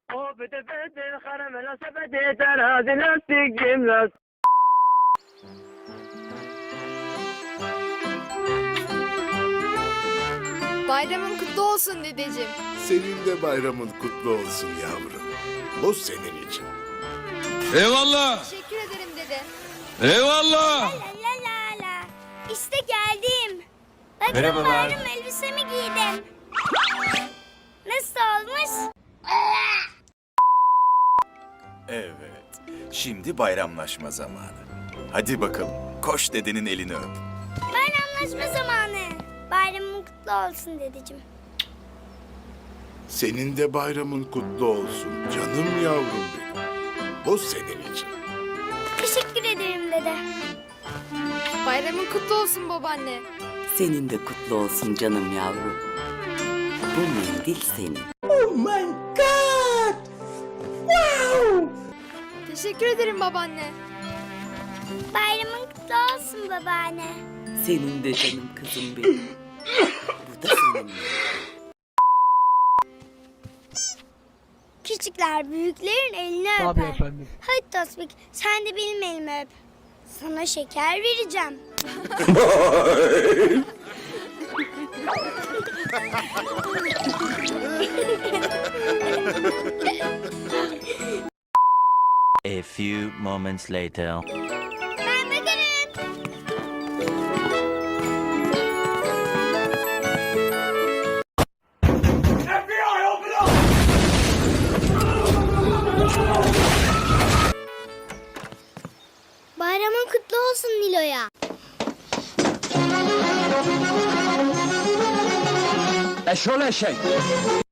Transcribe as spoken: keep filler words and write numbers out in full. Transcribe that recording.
O bete bete karamela sepeti terazi lastik cimnaz. Bayramın kutlu olsun dedeciğim. Senin de bayramın kutlu olsun yavrum. Bu senin için. Eyvallah. Teşekkür ederim dede. Eyvallah. La la la la. İşte geldim. Bakın Merhabalar. bayram elbisemi giydim. Nasıl olmuş? Evet, şimdi bayramlaşma zamanı. Hadi bakalım, koş dedenin elini öp. Bayramlaşma zamanı. Bayramın kutlu olsun dedeciğim. Senin de bayramın kutlu olsun canım yavrum benim. Bu senin için. Teşekkür ederim dede. Bayramın kutlu olsun babaanne. Senin de kutlu olsun canım yavrum. Bu mendil senin. Teşekkür ederim babaanne. Bayramın kutlu olsun babaanne. Senin de canım kızım benim. Bu da senin. Küçükler büyüklerin elini öper. Tabii efendim. Hadi Tosbik sen de benim elimi öp. Sana şeker vereceğim. A few moments later. Ben bakarım. Bayramın kutlu olsun Nilo'ya. Eşol eşek.